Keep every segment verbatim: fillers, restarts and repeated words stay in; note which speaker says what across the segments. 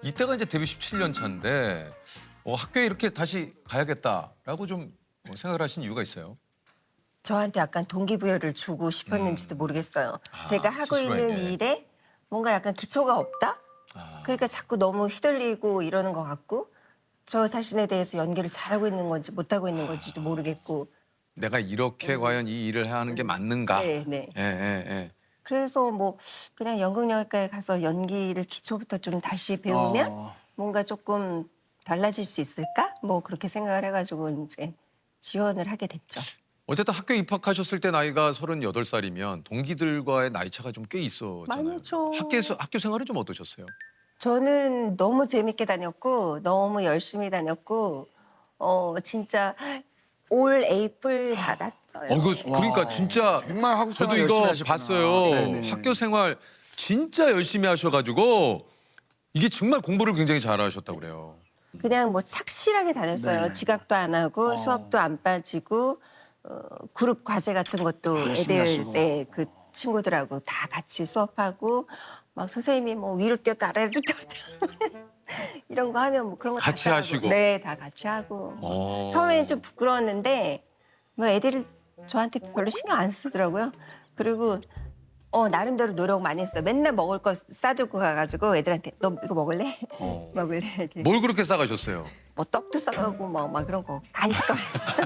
Speaker 1: 이때가 이제 데뷔 십칠 년 차인데 어, 학교에 이렇게 다시 가야겠다라고 좀 뭐 생각을 하신 이유가 있어요?
Speaker 2: 저한테 약간 동기부여를 주고 싶었는지도 모르겠어요.
Speaker 1: 아,
Speaker 2: 제가 하고 있는
Speaker 1: 스스로에게.
Speaker 2: 일에 뭔가 약간 기초가 없다?
Speaker 1: 아.
Speaker 2: 그러니까 자꾸 너무 휘둘리고 이러는 것 같고 저 자신에 대해서 연기를 잘하고 있는 건지 못하고 있는 건지도 모르겠고
Speaker 1: 내가 이렇게 과연 이 일을 해야 하는 게 맞는가?
Speaker 2: 네, 네.
Speaker 1: 예, 예, 예.
Speaker 2: 그래서 뭐 그냥 연극영화과에 가서 연기를 기초부터 좀 다시 배우면
Speaker 3: 어.
Speaker 2: 뭔가 조금 달라질 수 있을까? 뭐 그렇게 생각을 해가지고 이제 지원을 하게 됐죠.
Speaker 1: 어쨌든 학교 입학하셨을 때 나이가 서른여덟 살이면 동기들과의 나이 차가 좀 꽤 있었잖아요.
Speaker 2: 많죠.
Speaker 1: 학교에서 학교 생활은 좀 어떠셨어요?
Speaker 2: 저는 너무 재밌게 다녔고 너무 열심히 다녔고 어 진짜 올 A뿔 받았어요.
Speaker 1: 어, 그, 그러니까
Speaker 3: 와,
Speaker 1: 진짜
Speaker 3: 정말 한국
Speaker 1: 저도
Speaker 3: 생활 열심히
Speaker 1: 이거
Speaker 3: 하셨구나.
Speaker 1: 봤어요.
Speaker 3: 네네.
Speaker 1: 학교 생활 진짜 열심히 하셔가지고 이게 정말 공부를 굉장히 잘하셨다고 그래요.
Speaker 2: 그냥 뭐 착실하게 다녔어요.
Speaker 3: 네.
Speaker 2: 지각도 안 하고
Speaker 3: 어.
Speaker 2: 수업도 안 빠지고 어, 그룹 과제 같은 것도
Speaker 3: 열심히
Speaker 2: 애들
Speaker 3: 하시고.
Speaker 2: 네, 그 친구들하고 다 같이 수업하고 막 선생님이 뭐 위로 뛰었다 아래로 뛰었다 이런 거 하면 뭐 그런 거
Speaker 1: 같이
Speaker 2: 다 따라하고.
Speaker 1: 하시고.
Speaker 2: 네, 다 같이 하고.
Speaker 1: 어.
Speaker 2: 처음에는 좀 부끄러웠는데 뭐 애들이 저한테 별로 신경 안 쓰더라고요. 그리고 어 나름대로 노력 많이 했어요. 맨날 먹을 거 싸들고 가가지고 애들한테 너 이거 먹을래?
Speaker 1: 어.
Speaker 2: 먹을래? 이렇게.
Speaker 1: 뭘 그렇게 싸가셨어요?
Speaker 2: 뭐 떡도 싸가고 막, 막 그런 거 간식거리.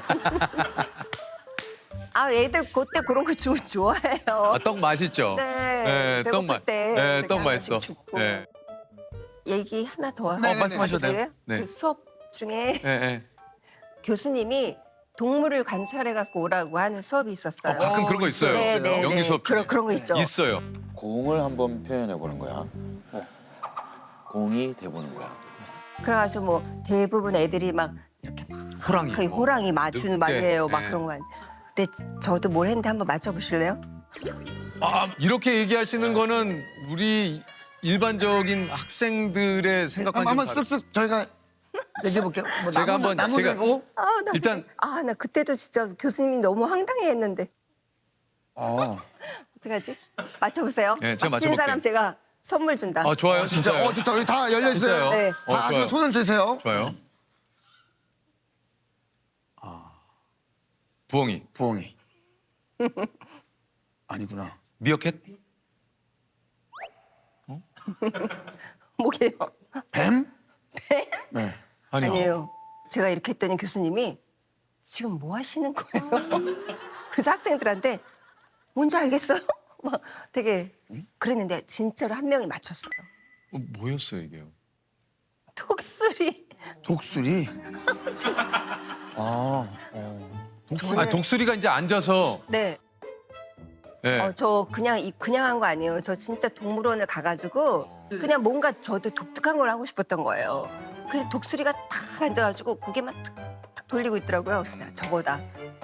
Speaker 2: 아 애들 그때 그런 거 좋, 좋아해요.
Speaker 1: 아, 떡 맛있죠?
Speaker 2: 네,
Speaker 1: 떡
Speaker 2: 배고플
Speaker 1: 맛.
Speaker 2: 때
Speaker 1: 네,
Speaker 2: 이렇게
Speaker 1: 떡
Speaker 2: 하나씩
Speaker 1: 맛있어.
Speaker 2: 줍고.
Speaker 1: 네.
Speaker 2: 얘기 하나 더
Speaker 3: 네, 네, 네.
Speaker 1: 말씀하셔도 돼요.
Speaker 2: 돼요?
Speaker 1: 네.
Speaker 2: 그 수업 중에
Speaker 1: 예, 예.
Speaker 2: 교수님이 동물을 관찰해 갖고 오라고 하는 수업이 있었어요.
Speaker 1: 어, 가끔 그런 거 있어요.
Speaker 2: 네, 네,
Speaker 1: 연기
Speaker 2: 네.
Speaker 1: 수업 중에.
Speaker 2: 그런 그런 거 있죠.
Speaker 1: 있어요.
Speaker 4: 공을 한번 표현해 보는 거야. 공이 돼보는 거야.
Speaker 2: 그래가지고 뭐 대부분 애들이 막 이렇게 막
Speaker 1: 호랑이.
Speaker 2: 거의 호랑이 맞추는
Speaker 1: 늑대.
Speaker 2: 말이에요. 막
Speaker 1: 네.
Speaker 2: 그런 거 많이. 근데 저도 뭘 했는데 한번 맞춰보실래요?
Speaker 1: 아, 이렇게 얘기하시는 거는 우리 일반적인 학생들의 생각과는
Speaker 3: 한번
Speaker 1: 좀
Speaker 3: 한번
Speaker 1: 다르-
Speaker 3: 쓱쓱 저희가 얘기해 볼게요. 뭐
Speaker 1: 제가
Speaker 3: 나무,
Speaker 1: 한번-
Speaker 3: 나무
Speaker 1: 제가-
Speaker 3: 들고.
Speaker 2: 아, 나
Speaker 1: 일단-
Speaker 2: 그때, 아, 나 그때도 진짜 교수님이 너무 황당해했는데
Speaker 3: 어.
Speaker 2: 어떡하지? 맞춰보세요.
Speaker 1: 네, 제가
Speaker 2: 맞히는
Speaker 1: 맞춰볼게요.
Speaker 2: 사람 제가 선물 준다.
Speaker 1: 아, 좋아요.
Speaker 3: 진짜
Speaker 1: 진짜요.
Speaker 3: 어 좋다. 여기 다 열려 있어요.
Speaker 1: 진짜요?
Speaker 2: 네.
Speaker 1: 어,
Speaker 3: 다 아시면
Speaker 1: 좋아요.
Speaker 3: 손을 드세요.
Speaker 1: 좋아요. 아. 부엉이.
Speaker 3: 부엉이. 아니구나.
Speaker 1: 미어캣?
Speaker 2: 뭐게요?
Speaker 3: 뱀? 네.
Speaker 1: 아니요.
Speaker 2: 아니에요. 제가 이렇게 했더니 교수님이 지금 뭐 하시는 거예요? 그래서 학생들한테 뭔지 알겠어요? 막 되게 그랬는데 진짜로 한 명이 맞췄어요.
Speaker 1: 어, 뭐였어요 이게요?
Speaker 2: 독수리.
Speaker 3: 독수리. 아. 어. 독수리.
Speaker 1: 아, 독수리가 이제 앉아서.
Speaker 2: 네.
Speaker 1: 예.
Speaker 2: 어, 저 그냥 이 그냥 한 거 아니에요. 저 진짜 동물원을 가가지고 그냥 뭔가 저도 독특한 걸 하고 싶었던 거예요. 그래서 독수리가 탁 앉아가지고 고개만 탁, 탁 돌리고 있더라고요. 그래서 나 저거다.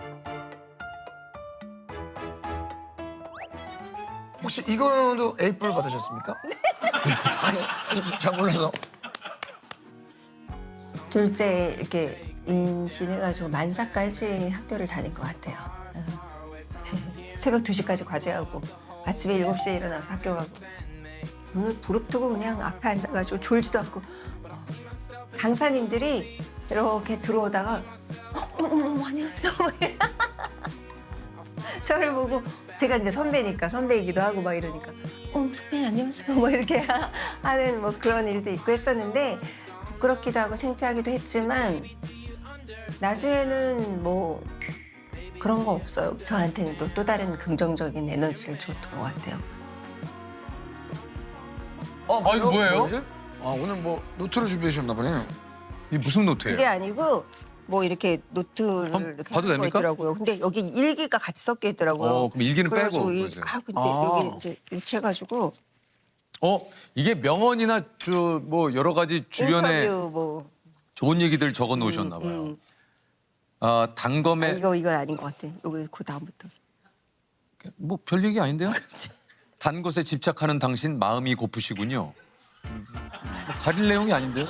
Speaker 3: 혹시 이거도 에이플 받으셨습니까? 아니, 아니, 잘 몰라서.
Speaker 2: 둘째 이렇게 임신해가지고 만사까지 학교를 다닐 것 같아요. 응. 새벽 두 시까지 과제하고 아침에 일곱 시에 일어나서 학교 가고 눈을 부릅뜨고 그냥 앞에 앉아가지고 졸지도 않고 강사님들이 이렇게 들어오다가 어, 어머 어머 안녕하세요. 저를 보고 제가 이제 선배니까 선배이기도 하고 막 이러니까 어 선배님 안녕하세요 뭐 이렇게 하는 뭐 그런 일도 있고 했었는데 부끄럽기도 하고 창피하기도 했지만 나중에는 뭐 그런 거 없어요. 저한테는 또, 또 다른 긍정적인 에너지를 줬던 것 같아요.
Speaker 3: 어,
Speaker 1: 아, 이거 뭐예요?
Speaker 3: 뭐지? 아, 오늘 뭐 노트를 준비해 주셨나 보네요.
Speaker 1: 이 무슨 노트예요?
Speaker 2: 그게 아니고 뭐 이렇게 노트를
Speaker 1: 한번
Speaker 2: 이렇게
Speaker 1: 봐도
Speaker 2: 하는 거
Speaker 1: 됩니까?
Speaker 2: 있더라고요. 근데 여기 일기가 같이 섞여 있더라고요.
Speaker 1: 어, 그럼 일기는 빼고
Speaker 2: 그래가지고 일-
Speaker 1: 그러세요?
Speaker 2: 아 근데
Speaker 3: 아.
Speaker 2: 여기 이제 이렇게 해가지고
Speaker 1: 어, 이게 명언이나 저 뭐 여러 가지 주변에
Speaker 2: 인터뷰 뭐
Speaker 1: 좋은 얘기들 적어 놓으셨나 봐요.
Speaker 2: 음.
Speaker 1: 아,
Speaker 2: 아,
Speaker 1: 단검에
Speaker 2: 이거 이거 아닌 것 같아. 여기 그 다음부터.
Speaker 1: 뭐 별 얘기 아닌데요? 단 것에 집착하는 당신 마음이 고프시군요. 뭐 가릴 내용이 아닌데요?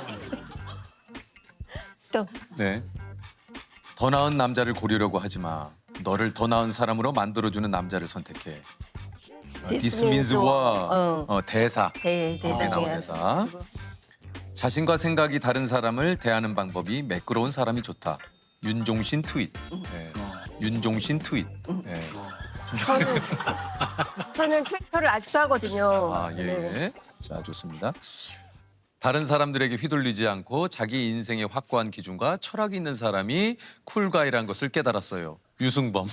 Speaker 2: 또
Speaker 1: 네. 더 나은 남자를 고르려고 하지 마. 너를 더 나은 사람으로 만들어주는 남자를 선택해.
Speaker 2: This
Speaker 1: 디스민즈와
Speaker 2: means war. 어.
Speaker 1: 어, 대사.
Speaker 2: 대 대사
Speaker 1: 거기에
Speaker 2: 중에
Speaker 1: 나온 대사. 자신과 생각이 다른 사람을 대하는 방법이 매끄러운 사람이 좋다. 윤종신 트윗. 예. 윤종신 트윗. 예.
Speaker 2: 저는 저는 트위터를 아직도 하거든요.
Speaker 1: 아, 예.
Speaker 2: 네.
Speaker 1: 자, 좋습니다. 다른 사람들에게 휘둘리지 않고 자기 인생의 확고한 기준과 철학이 있는 사람이 쿨가이라는 것을 깨달았어요. 유승범.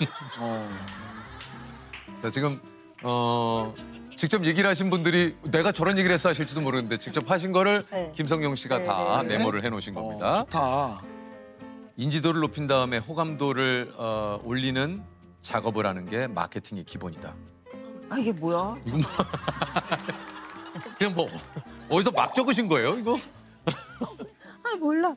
Speaker 1: 자, 지금 어, 직접 얘기를 하신 분들이 내가 저런 얘기를 했어 하실지도 모르는데 직접 하신 거를
Speaker 2: 네.
Speaker 1: 김성경 씨가
Speaker 2: 네,
Speaker 1: 다
Speaker 3: 네.
Speaker 1: 메모를 해놓으신 겁니다.
Speaker 3: 좋다.
Speaker 1: 인지도를 높인 다음에 호감도를 어, 올리는 작업을 하는 게 마케팅의 기본이다.
Speaker 2: 아 이게 뭐야?
Speaker 1: 그냥 뭐 어디서 막 적으신 거예요, 이거?
Speaker 2: 아 몰라.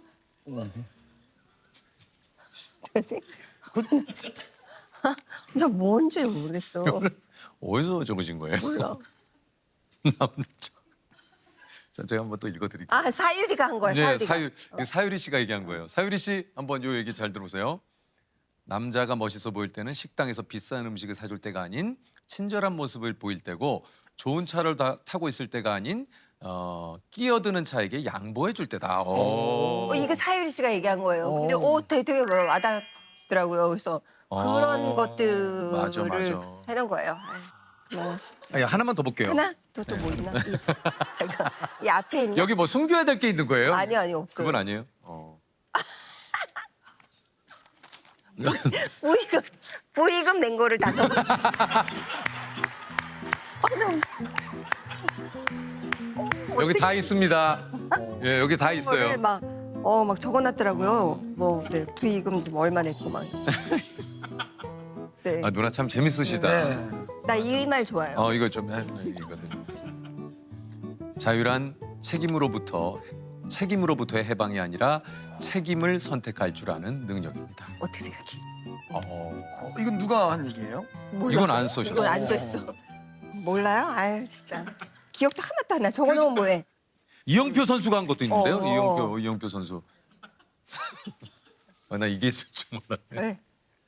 Speaker 2: 그 진짜 아, 나 뭔지 모르겠어.
Speaker 1: 어디서 적으신 거예요?
Speaker 2: 몰라.
Speaker 1: 남자. 자, 제가 한번 또 읽어드릴게요.
Speaker 2: 아 사유리가 한 거야.
Speaker 1: 네,
Speaker 2: 사유리가.
Speaker 1: 사유, 이거 사유리 씨가 얘기한 거예요. 사유리 씨 한번 요 얘기 잘 들어보세요. 남자가 멋있어 보일 때는 식당에서 비싼 음식을 사줄 때가 아닌 친절한 모습을 보일 때고 좋은 차를 다, 타고 있을 때가 아닌 어, 끼어드는 차에게 양보해 줄 때다. 오.
Speaker 2: 어, 이게 사유리 씨가 얘기한 거예요. 근데 오 되게, 되게 와닿더라고요. 그래서 그런
Speaker 1: 어,
Speaker 2: 것들을
Speaker 1: 맞아, 맞아.
Speaker 2: 해놓은 거예요. 아이, 그만하시-
Speaker 1: 아, 하나만 더 볼게요.
Speaker 2: 하나? 또 또 뭐 있나? 이, 잠깐 이 앞에 있는
Speaker 1: 여기 뭐 숨겨야 될 게 있는 거예요?
Speaker 2: 아니 아니 없어요.
Speaker 1: 그건 아니에요. 어.
Speaker 2: 부의금 부의금 낸 거를 다 적어. 아, 나
Speaker 1: 여기 다 있습니다. 예, 여기 다 있어요.
Speaker 2: 막어막 적어놨더라고요. 뭐 네, 부의금 좀 얼마 냈고 막. 네.
Speaker 1: 아, 누나 참 재밌으시다.
Speaker 3: 네.
Speaker 2: 나 이 말 좋아요.
Speaker 1: 어, 이거 좀 해, 이거든. 자유란 책임으로부터 책임으로부터의 해방이 아니라 책임을 선택할 줄 아는 능력입니다.
Speaker 2: 어떻게 생각해?
Speaker 1: 어,
Speaker 3: 어, 이건 누가 한 얘기예요?
Speaker 2: 몰라.
Speaker 1: 이건 안 써셨어요.
Speaker 2: 이건 안 써있어. 몰라요? 아유 진짜. 기억도 하나도 안 나. 적어놓으면 뭐해?
Speaker 1: 이영표 선수가 한 것도 있는데요.
Speaker 2: 어.
Speaker 1: 이영표 이영표 선수. 아, 나 이게 있을 줄 몰랐네.
Speaker 2: 네.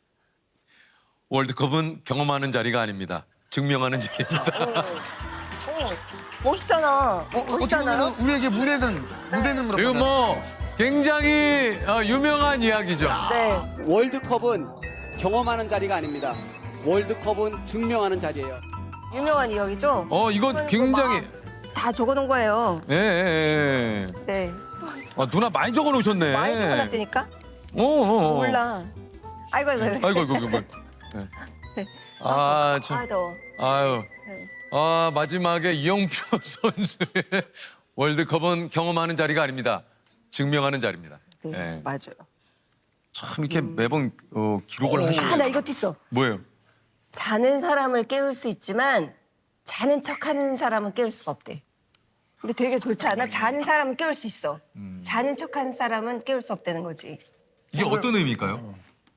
Speaker 1: 월드컵은 경험하는 자리가 아닙니다. 증명하는 자리입니다.
Speaker 2: 어, 멋있잖아.
Speaker 3: 어, 어떻게
Speaker 2: 멋있잖아요.
Speaker 3: 보면 우리에게 무대는 무대는 그렇고.
Speaker 1: 이거 뭐 굉장히 어, 유명한 이야기죠.
Speaker 2: 네.
Speaker 5: 월드컵은 경험하는 자리가 아닙니다. 월드컵은 증명하는 자리예요.
Speaker 2: 유명한 이야기죠?
Speaker 1: 어, 이거 굉장히
Speaker 2: 다 적어놓은 거예요.
Speaker 1: 예, 예, 예.
Speaker 2: 네.
Speaker 1: 아, 누나 많이 적어 놓으셨네.
Speaker 2: 많이 적어놨다니까?
Speaker 1: 어, 어, 어.
Speaker 2: 몰라. 아이고 아이고. 아이고.
Speaker 1: 아이고 아이고 뭐. 네.
Speaker 2: 네.
Speaker 1: 아, 참.
Speaker 2: 아 더워.
Speaker 1: 아유.
Speaker 2: 네.
Speaker 1: 아, 마지막에 이영표 선수의 월드컵은 경험하는 자리가 아닙니다. 증명하는 자리입니다.
Speaker 2: 네,
Speaker 1: 예.
Speaker 2: 맞아요.
Speaker 1: 참 이렇게 매번 어, 기록을 하시네요.
Speaker 2: 아 나 이것도 있어.
Speaker 1: 뭐예요?
Speaker 2: 자는 사람을 깨울 수 있지만 자는 척하는 사람은 깨울 수가 없대. 근데 되게 좋지 않아? 자는 사람은 깨울 수 있어. 자는 척하는 사람은 깨울 수 없다는 거지.
Speaker 1: 이게 어떤 의미일까요?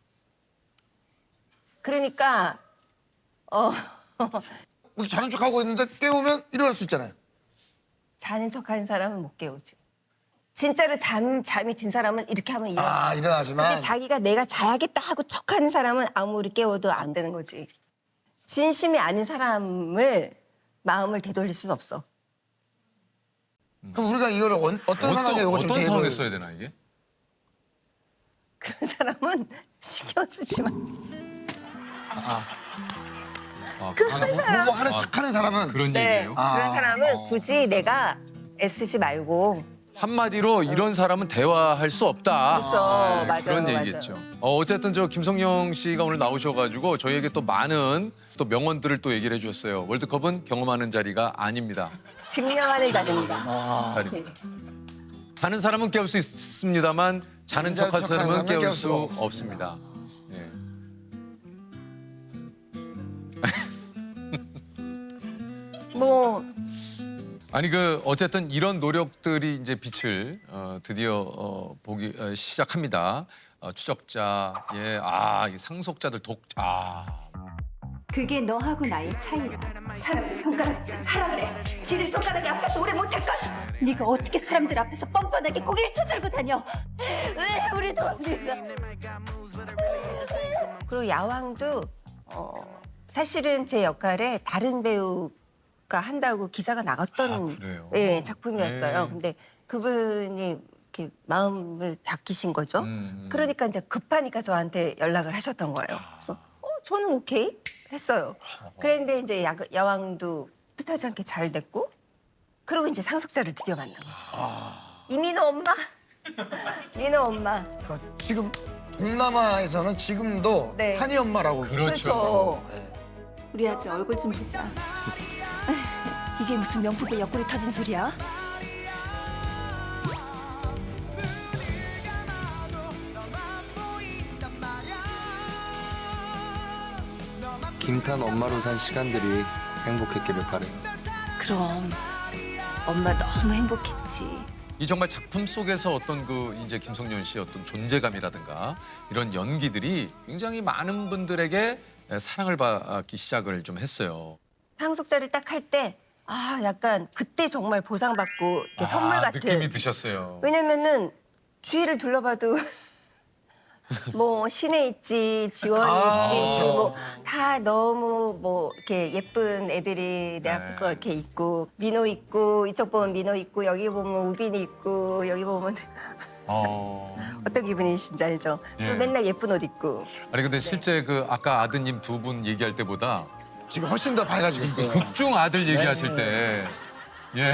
Speaker 2: 그러니까 어
Speaker 3: 우리 자는 척하고 있는데 깨우면 일어날 수 있잖아요.
Speaker 2: 자는 척하는 사람은 못 깨우지. 진짜로 잠 잠이 든 사람은 이렇게 하면 일어나.
Speaker 3: 아 일어나지만
Speaker 2: 근데 자기가 내가 자야겠다 하고 척하는 사람은 아무리 깨워도 안 되는 거지. 진심이 아닌 사람을 마음을 되돌릴 수는 없어.
Speaker 3: 그럼 우리가 이거를 어, 어떤 상황에 이거 좀
Speaker 1: 어떤
Speaker 3: 대입을-
Speaker 1: 상황에 써야 되나 이게?
Speaker 2: 그런 사람은 신경 쓰지 마.
Speaker 1: 아,
Speaker 2: 그런
Speaker 3: 뭐,
Speaker 2: 사람.
Speaker 3: 뭐 하는 척하는 사람은
Speaker 1: 그런
Speaker 2: 네.
Speaker 1: 얘기예요?
Speaker 3: 아.
Speaker 2: 그런 사람은 굳이 내가 애쓰지 말고.
Speaker 1: 한마디로 이런 사람은 대화할 수 없다.
Speaker 2: 그렇죠.
Speaker 1: 네,
Speaker 2: 맞아요,
Speaker 1: 그런
Speaker 2: 맞아요.
Speaker 1: 얘기겠죠. 어, 어쨌든 저 김성령 씨가 오늘 나오셔가지고 저희에게 또 많은 또 명언들을 또 얘기를 해주셨어요. 월드컵은 경험하는 자리가 아닙니다.
Speaker 2: 증명하는 자리입니다.
Speaker 1: 자리입니다. 자는 사람은 깨울 수 있습니다만 자는
Speaker 3: 자는
Speaker 1: 척한
Speaker 3: 척하는
Speaker 1: 사람은
Speaker 3: 사람은
Speaker 1: 깨울
Speaker 3: 깨울
Speaker 1: 수
Speaker 3: 수가
Speaker 1: 없습니다. 예.
Speaker 2: 뭐
Speaker 1: 아니 그 어쨌든 이런 노력들이 이제 빛을 어, 드디어 어, 보기 어, 시작합니다. 어, 추적자, 예, 아, 이 상속자들 독자. 아.
Speaker 6: 그게 너하고 나의 차이야. 사람들 손가락질 하라 그래. 지들 손가락이 아파서 오래 못할 걸. 네가 어떻게 사람들 앞에서 뻔뻔하게 고개를 쳐들고 다녀? 왜 우리도 우리가
Speaker 2: 그리고 야왕도 어, 사실은 제 역할에 다른 배우 배우가 한다고 기사가 나갔던
Speaker 1: 아, 그래요?
Speaker 2: 예, 작품이었어요.
Speaker 1: 네.
Speaker 2: 근데 그분이 이렇게 마음을 바뀌신 거죠.
Speaker 1: 음.
Speaker 2: 그러니까 이제 급하니까 저한테 연락을 하셨던 거예요. 그래서 어, 저는 오케이 했어요. 그런데 이제 야, 야왕도 뜻하지 않게 잘 됐고, 그리고 이제 상속자를 드디어 만난 거죠. 이민호 엄마, 민호 엄마.
Speaker 3: 그러니까 지금 동남아에서는 지금도
Speaker 2: 네.
Speaker 3: 한이 엄마라고
Speaker 1: 그렇죠.
Speaker 3: 네.
Speaker 6: 우리 아들 얼굴 좀 보자. 아휴, 이게 무슨 명품의 옆구리 터진 소리야?
Speaker 7: 김탄 엄마로 산 시간들이 행복했기를 바래요.
Speaker 6: 그럼 엄마 너무 행복했지.
Speaker 1: 이 정말 작품 속에서 어떤 그 이제 김성년 씨의 어떤 존재감이라든가 이런 연기들이 굉장히 많은 분들에게 사랑을 받기 시작을 좀 했어요.
Speaker 2: 상속자를 딱 할 때 아, 약간 그때 정말 보상받고 이렇게 선물
Speaker 1: 아,
Speaker 2: 같은.
Speaker 1: 느낌이 드셨어요.
Speaker 2: 왜냐면은 주위를 둘러봐도 뭐 신혜 있지, 지원이
Speaker 3: 아,
Speaker 2: 있지,
Speaker 3: 그렇죠.
Speaker 2: 뭐 다 너무 뭐 이렇게 예쁜 애들이 내
Speaker 1: 네.
Speaker 2: 앞에서 이렇게 있고, 민호 있고, 이쪽 보면 민호 있고, 여기 보면 우빈이 있고, 여기 보면
Speaker 1: 어.
Speaker 2: 어떤 기분이신지 알죠? 그리고
Speaker 1: 예.
Speaker 2: 맨날 예쁜 옷 입고.
Speaker 1: 아니 근데 실제 그 아까 아드님 두 분 얘기할 때보다
Speaker 3: 지금 훨씬 더 밝아지고 있어요.
Speaker 1: 극중 아들 얘기하실
Speaker 3: 네.
Speaker 1: 때 예.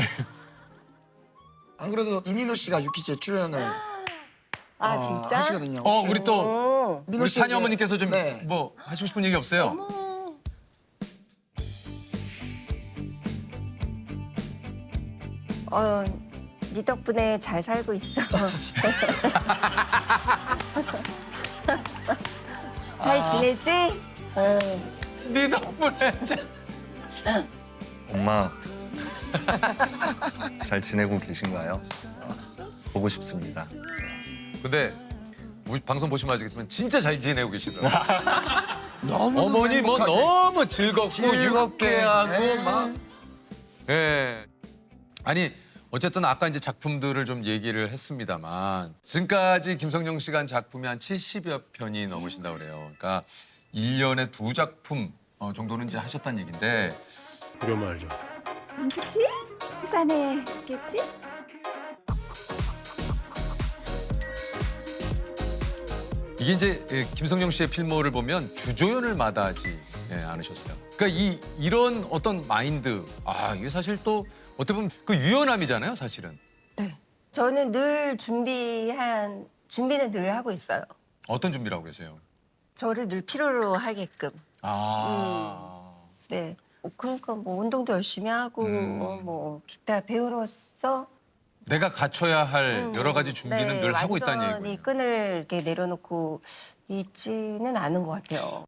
Speaker 3: 안 그래도 이민호 씨가 유키즈에 출연을
Speaker 2: 아,
Speaker 3: 어,
Speaker 2: 진짜?
Speaker 3: 하시거든요.
Speaker 1: 어
Speaker 3: 혹시
Speaker 1: 우리 또
Speaker 2: 어.
Speaker 3: 민호
Speaker 1: 우리
Speaker 3: 씨
Speaker 1: 타니
Speaker 3: 그-
Speaker 1: 어머니께서 좀
Speaker 3: 네.
Speaker 1: 뭐 하시고 싶은 얘기 없어요?
Speaker 2: 어, 네 덕분에 잘 살고 있어. 잘 지내지? 어.
Speaker 1: 네 덕분에
Speaker 8: 엄마 잘 지내고 계신가요? 보고 싶습니다.
Speaker 1: 근데 우리 방송 보시면 아시겠지만 진짜 잘 지내고 계시더라고요.
Speaker 3: 너무
Speaker 1: 어머니 뭐 너무 즐겁고
Speaker 3: 즐겁게.
Speaker 1: 유쾌하고
Speaker 3: 네.
Speaker 1: 막. 예. 아니 어쨌든 아까 이제 작품들을 좀 얘기를 했습니다만 지금까지 김성령 씨가 한 작품이 한 칠십여 편이 넘으신다고 그래요. 그러니까 일 년에 두 작품 어, 정도는 이제 하셨다는 얘기인데
Speaker 7: 이거 말이죠.
Speaker 6: 민숙 씨? 부산에 있겠지?
Speaker 1: 이게 이제 예, 김성령 씨의 필모를 보면 주조연을 마다하지 예, 않으셨어요. 그러니까 이 이런 어떤 마인드 아 이게 사실 또 어떻게 보면 그 유연함이잖아요, 사실은.
Speaker 2: 네. 저는 늘 준비한, 준비는 늘 하고 있어요.
Speaker 1: 어떤 준비를 하고 계세요?
Speaker 2: 저를 늘 필요로 하게끔.
Speaker 1: 아.
Speaker 2: 네. 어, 그러니까 뭐 운동도 열심히 하고,
Speaker 1: 음.
Speaker 2: 어, 뭐 기타 배우로서
Speaker 1: 내가 갖춰야 할
Speaker 2: 음,
Speaker 1: 여러 가지 준비는
Speaker 2: 네,
Speaker 1: 늘 하고 있다는
Speaker 2: 완전히
Speaker 1: 얘기예요.
Speaker 2: 끈을 이렇게 내려놓고 있지는 않은 것 같아요.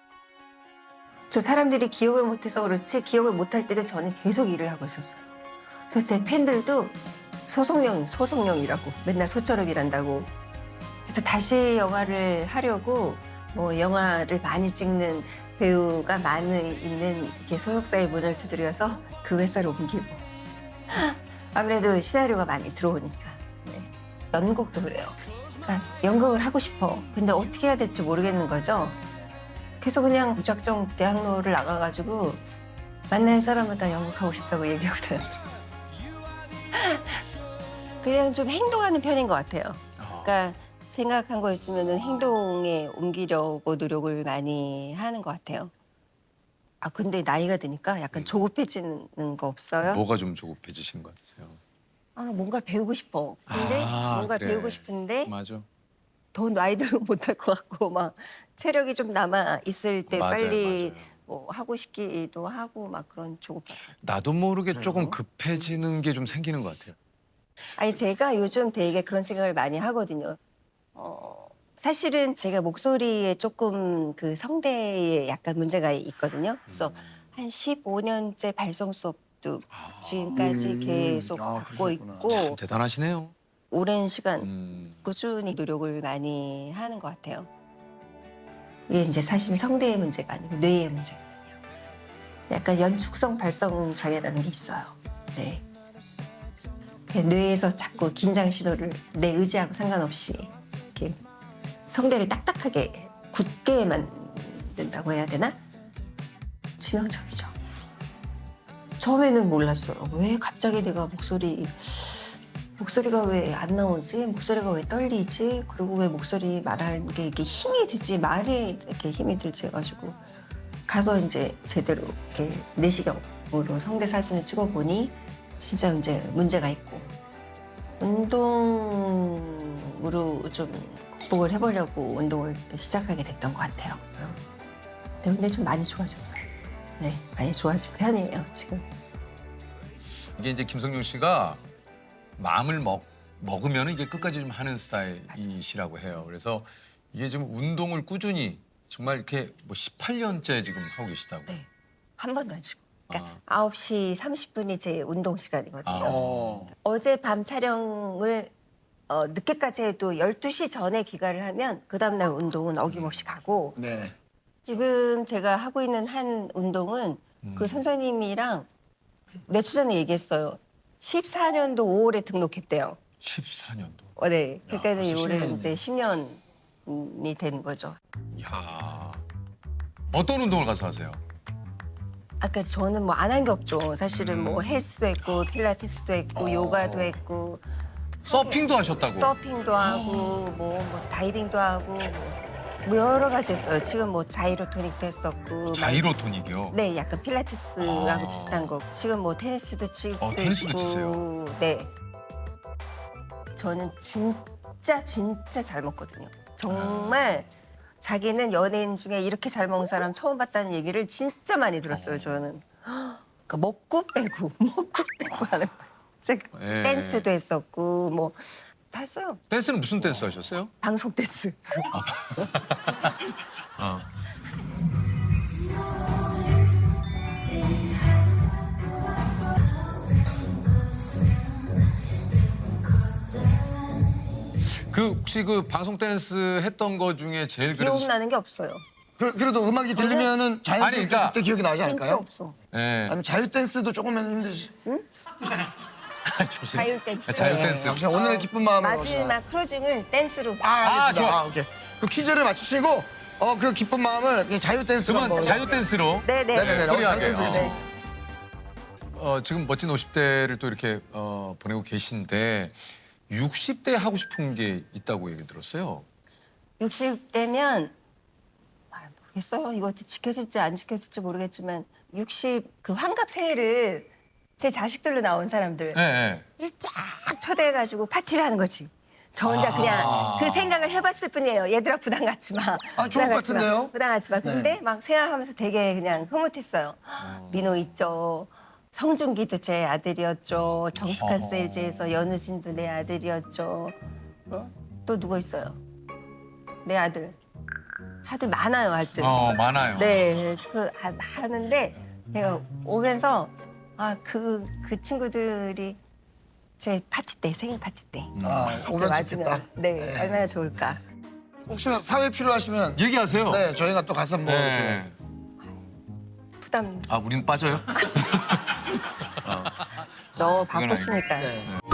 Speaker 2: 저 사람들이 기억을 못해서 그렇지 기억을 못할 때도 저는 계속 일을 하고 있었어요. 그래서 제 팬들도 소속령, 소속령이라고 맨날 소처럼 일한다고. 그래서 다시 영화를 하려고 뭐 영화를 많이 찍는 배우가 많이 있는 이렇게 소속사의 문을 두드려서 그 회사를 옮기고. 아무래도 시나리오가 많이 들어오니까. 네. 연극도 그래요. 그러니까 연극을 하고 싶어. 근데 어떻게 해야 될지 모르겠는 거죠. 그래서 그냥 무작정 대학로를 나가가지고 만나는 사람마다 연극하고 싶다고 얘기하고 다녔어요. 그냥 좀 행동하는 편인 것 같아요. 그러니까 생각한 거 있으면 행동에 옮기려고 노력을 많이 하는 것 같아요. 아 근데 나이가 드니까 약간 조급해지는 거 없어요?
Speaker 1: 뭐가 좀 조급해지시는 것 같으세요?
Speaker 2: 아 뭔가 배우고 싶어. 근데
Speaker 1: 아,
Speaker 2: 뭔가
Speaker 1: 그래.
Speaker 2: 배우고 싶은데
Speaker 1: 맞아.
Speaker 2: 더 나이 들면 못할 것 같고 막 체력이 좀 남아 있을 때
Speaker 1: 맞아요,
Speaker 2: 빨리
Speaker 1: 맞아요.
Speaker 2: 뭐 하고 싶기도 하고 막 그런 조급.
Speaker 1: 나도 모르게 조금 급해지는 게 좀 생기는 것 같아요.
Speaker 2: 아니 제가 요즘 되게 그런 생각을 많이 하거든요. 어 사실은 제가 목소리에 조금 그 성대에 약간 문제가 있거든요. 그래서 한 십오 년째 발성 수업도 지금까지
Speaker 3: 음.
Speaker 2: 계속
Speaker 3: 아,
Speaker 2: 받고
Speaker 3: 그러셨구나.
Speaker 2: 있고
Speaker 1: 참 대단하시네요.
Speaker 2: 오랜 시간
Speaker 1: 음.
Speaker 2: 꾸준히 노력을 많이 하는 것 같아요. 이게 이제 사실 성대의 문제가 아니고 뇌의 문제거든요. 약간 연축성 발성 장애라는 게 있어요. 네. 뇌에서 자꾸 긴장 신호를 내 의지하고 상관없이 이렇게 성대를 딱딱하게 굳게 만든다고 해야 되나? 치명적이죠. 처음에는 몰랐어요. 왜 갑자기 내가 목소리 목소리가 왜 안 나오지? 목소리가 왜 떨리지? 그리고 왜 목소리 말할 게 이렇게 힘이 들지? 말이 이렇게 힘이 들지 해가지고 가서 이제 제대로 이렇게 내시경으로 성대 사진을 찍어보니 진짜 이제 문제가 있고 운동으로 좀 극복을 해보려고 운동을 시작하게 됐던 것 같아요. 네, 근데 좀 많이 좋아졌어요. 네, 많이 좋아진 편이에요 지금.
Speaker 1: 이게 이제 김성용 씨가 마음을 먹, 먹으면 이게 끝까지 좀 하는 스타일이시라고 해요. 그래서 이게 좀 운동을 꾸준히 정말 이렇게 뭐 십팔 년째 지금 하고 계시다고.
Speaker 2: 네, 한 번도 안 쉬고. 그러니까
Speaker 1: 아.
Speaker 2: 아홉 시 삼십 분이 제 운동 시간이거든요.
Speaker 1: 아.
Speaker 3: 어.
Speaker 2: 어제 밤 촬영을 어, 늦게까지 해도 열두 시 전에 귀가를 하면 그 다음날 운동은 어김없이 가고
Speaker 3: 네.
Speaker 2: 지금 제가 하고 있는 한 운동은 그 선생님이랑 며칠 전에 얘기했어요. 십사 년도 오월에 등록했대요.
Speaker 1: 십사 년도.
Speaker 2: 어, 네. 그때는
Speaker 3: 벌써
Speaker 2: 올해
Speaker 3: 십 년이네.
Speaker 2: 이제 십 년이 된 거죠.
Speaker 1: 야 어떤 운동을 가서 하세요?
Speaker 2: 아까 저는 뭐 안 한 게 없죠. 사실은 뭐 헬스도 했고 필라테스도 했고 요가도 했고
Speaker 1: 서핑도 하셨다고.
Speaker 2: 서핑도 하고 뭐, 뭐 다이빙도 하고 뭐 여러 가지 했어요. 지금 뭐 자이로토닉도 했었고
Speaker 1: 자이로토닉이요.
Speaker 2: 네, 약간 필라테스하고
Speaker 1: 아.
Speaker 2: 비슷한 거. 지금 뭐 테니스도 치고
Speaker 1: 어, 테니스도
Speaker 2: 있고.
Speaker 1: 치세요?
Speaker 2: 네. 저는 진짜 진짜 잘 먹거든요. 정말 자기는 연예인 중에 이렇게 잘 먹는 사람 처음 봤다는 얘기를 진짜 많이 들었어요. 저는. 그러니까 먹고 빼고 먹고 빼고 하는 거예요. 제가
Speaker 1: 예.
Speaker 2: 댄스도 했었고 뭐 다 했어요.
Speaker 1: 댄스는 무슨 댄스 하셨어요?
Speaker 2: 방송 댄스.
Speaker 1: 어. 그 혹시 그 방송 댄스 했던 거 중에 제일 그래도
Speaker 2: 기억나는 게 없어요.
Speaker 3: 그, 그래도 음악이 들리면은 자연스럽게
Speaker 1: 아니, 그러니까-
Speaker 3: 그때 기억이 나지
Speaker 2: 진짜
Speaker 3: 않을까요?
Speaker 2: 없어.
Speaker 1: 예.
Speaker 3: 아니면 자유 댄스도 조금은 힘드시.
Speaker 1: 아, 좋으세요.
Speaker 2: 자유 댄스.
Speaker 1: 자유
Speaker 2: 네.
Speaker 1: 댄스.
Speaker 3: 역시 오늘의 기쁜 마음을
Speaker 2: 마지막 크로징을 댄스로.
Speaker 3: 아, 알겠습니다.
Speaker 1: 아, 좋아.
Speaker 3: 아, 오케이. 그 퀴즈를 맞추시고 어 그 기쁜 마음을 그냥 자유 댄스로
Speaker 1: 그러면
Speaker 3: 한번.
Speaker 1: 자유 댄스로.
Speaker 2: 네네.
Speaker 3: 네네네. 어, 자유
Speaker 1: 프리하게.
Speaker 3: 댄스
Speaker 1: 어.
Speaker 3: 괜찮아요.
Speaker 1: 어, 지금 멋진 오십 대를 또 이렇게 어, 보내고 계신데 육십 대 하고 싶은 게 있다고 얘기 들었어요.
Speaker 2: 육십 대면 아, 모르겠어요. 이것도 지켜질지 안 지켜질지 모르겠지만 육십 그 환갑 새해를 제 자식들로 나온 사람들
Speaker 1: 예, 예.
Speaker 2: 쫙 초대해가지고 파티를 하는 거지. 저 혼자
Speaker 3: 아.
Speaker 2: 그냥 그 생각을 해봤을 뿐이에요. 얘들아 부담 갖지 마.
Speaker 3: 아, 좋을
Speaker 2: 부담
Speaker 3: 것
Speaker 2: 갖지 마.
Speaker 3: 같은데요?
Speaker 2: 부담 갖지 마. 근데
Speaker 3: 네.
Speaker 2: 막 생각하면서 되게 그냥 흐뭇했어요. 민호 있죠. 성준기도 제 아들이었죠. 정숙한 세일즈에서 연우진도 내 아들이었죠. 어? 또 누구 있어요? 내 아들. 아들 많아요, 아들.
Speaker 1: 어, 많아요.
Speaker 2: 네, 그 하- 하는데 내가 오면서 아 그 그 친구들이 제 파티 때 생일 파티 때
Speaker 3: 아,
Speaker 2: 이렇게
Speaker 3: 오면
Speaker 2: 와주면,
Speaker 3: 좋겠다.
Speaker 2: 네,
Speaker 3: 네.
Speaker 2: 얼마나 좋을까.
Speaker 3: 혹시나 사회 필요하시면
Speaker 1: 얘기하세요.
Speaker 3: 네 저희가 또 가서 뭐 이렇게
Speaker 1: 네.
Speaker 2: 부담
Speaker 1: 아, 우리는 빠져요?
Speaker 2: 너무
Speaker 1: 그건
Speaker 2: 바쁘시니까.
Speaker 3: 네.